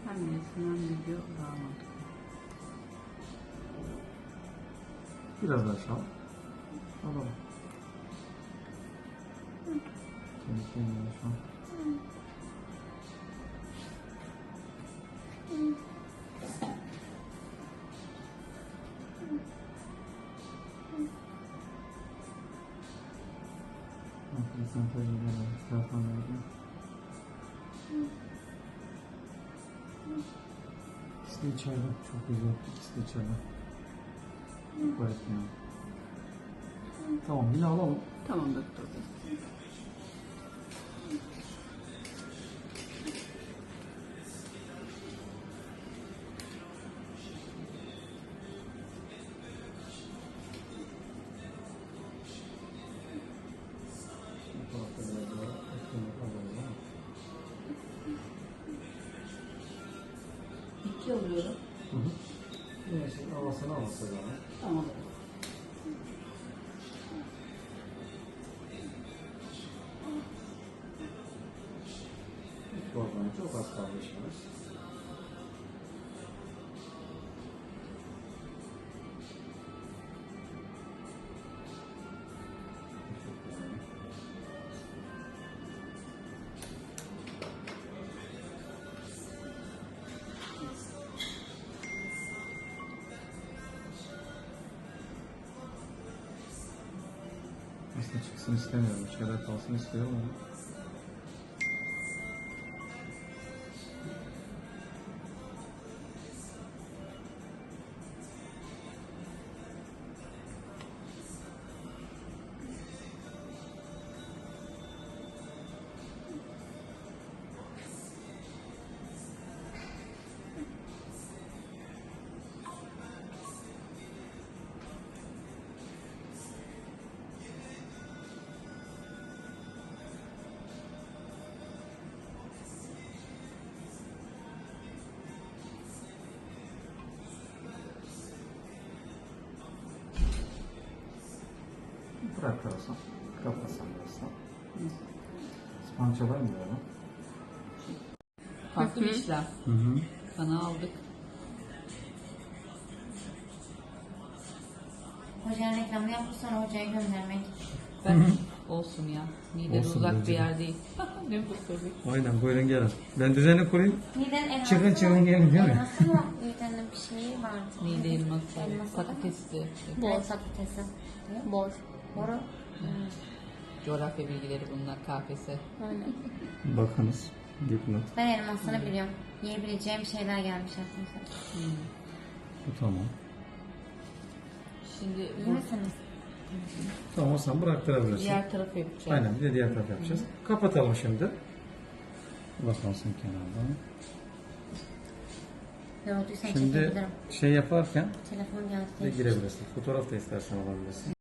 Hem resim hem video daha mantıklı. Biraz daha aşağı. Alalım. Kendi kendine şu an. İkisi de içeride. Çok güzel. İkisi de içeride. Çok garip ya. Tamam, yine alalım. Tamam doktor bey. İki alıyorum. Hı hı. Neyse, havasını alırsa yani. Tamam. Korkmayın, çok az kaldı işimiz. Aslında çıksın istemiyorum. İçeride kalsın istiyorum ama. Bırak kalsın. Kapasan kalsın. Spançalar mı böyle? Farklı bir işlem. Hı hı. Kana aldık. Hocanın reklamını yapıp sonra hocaya göndermek. Ben olsun ya. Mideden Olsun uzak bence bir de. yer değil. Ne doktor bey? Aynen, buyurun gelin. Ben düzeni kurayım. Miden elması Çıkın, çıkın, gelin, değil mi? Elması mı? Midenin bir şeyi vardı. Mide elması, Elması patatesli. Bol patatesi. Bol. Boru. Coğrafya bilgileri bunlar, KPSS. Aynen. Bakınız. Dipnot. Ben elmasını biliyorum. Yiyebileceğim şeyler gelmiş aklımıza. Bu tamam. Şimdi İyi bu misiniz? Tamam, o zaman bıraktırabilirsin. diğer tarafı yapacağız. Aynen, bir de diğer taraf yapacağız. Kapatalım şimdi. Bakalım kenardan. Ne olduysa Şimdi çekebilirim. şey yaparken Telefon geldi. de girebilirsin. Fotoğraf da istersen alabilirsin.